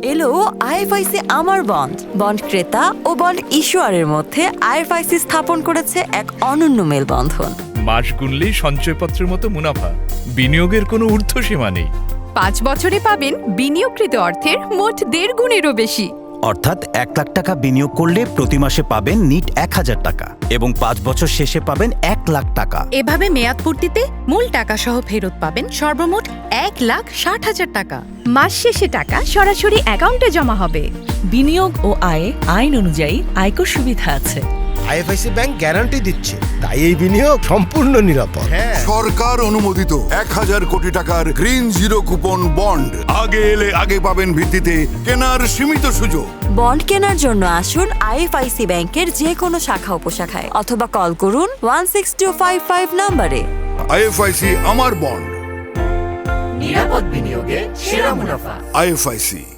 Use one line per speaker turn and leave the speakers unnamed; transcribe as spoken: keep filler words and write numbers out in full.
এলো আইএফআইসি আমার bond bond ক্রেতা ও বন্ড ইস্যুয়ারের মধ্যে আইএফআইসি স্থাপন করেছে এক অনন্য মেলবন্ধন।
মাস গুনলেই সঞ্চয়পত্রের মতো মুনাফা, বিনিয়োগের কোনো ঊর্ধ্বসীমা নেই।
পাঁচ বছরে পাবেন বিনিয়োগকৃত অর্থের মোট দেড় গুণেরও বেশি।
অর্থাৎ এক লাখ টাকা বিনিয়োগ করলে প্রতি মাসে পাবেন নিট এক হাজার টাকা এবং পাঁচ বছর শেষে পাবেন এক লাখ টাকা।
এভাবে মেয়াদ পূর্তিতে মূল টাকা সহ ফেরত পাবেন সর্বমোট এক লাখ ষাট হাজার টাকা। মাস শেষে টাকা সরাসরি অ্যাকাউন্টে জমা হবে।
বিনিয়োগ ও আয়ে আইন অনুযায়ী আয়কর সুবিধা আছে।
আইএফআইসি ব্যাংক গ্যারান্টি দিচ্ছে, তাই এই বিনিয়োগ সম্পূর্ণ নিরাপদ।
সরকার অনুমোদিত এক হাজার কোটি টাকার গ্রিন জিরো কুপন বন্ড। আগে এলে আগে পাবেন ভিত্তিতে কেনার সীমিত সুযোগ।
বন্ড কেনার জন্য আসুন আইএফআইসি ব্যাংকের যে কোনো শাখা উপশাখায় অথবা কল করুন one six two five five নাম্বারে।
আইএফআইসি আমার বন্ড।
নিরাপদ বিনিয়োগে সেরা মুনাফা।
আইএফআইসি।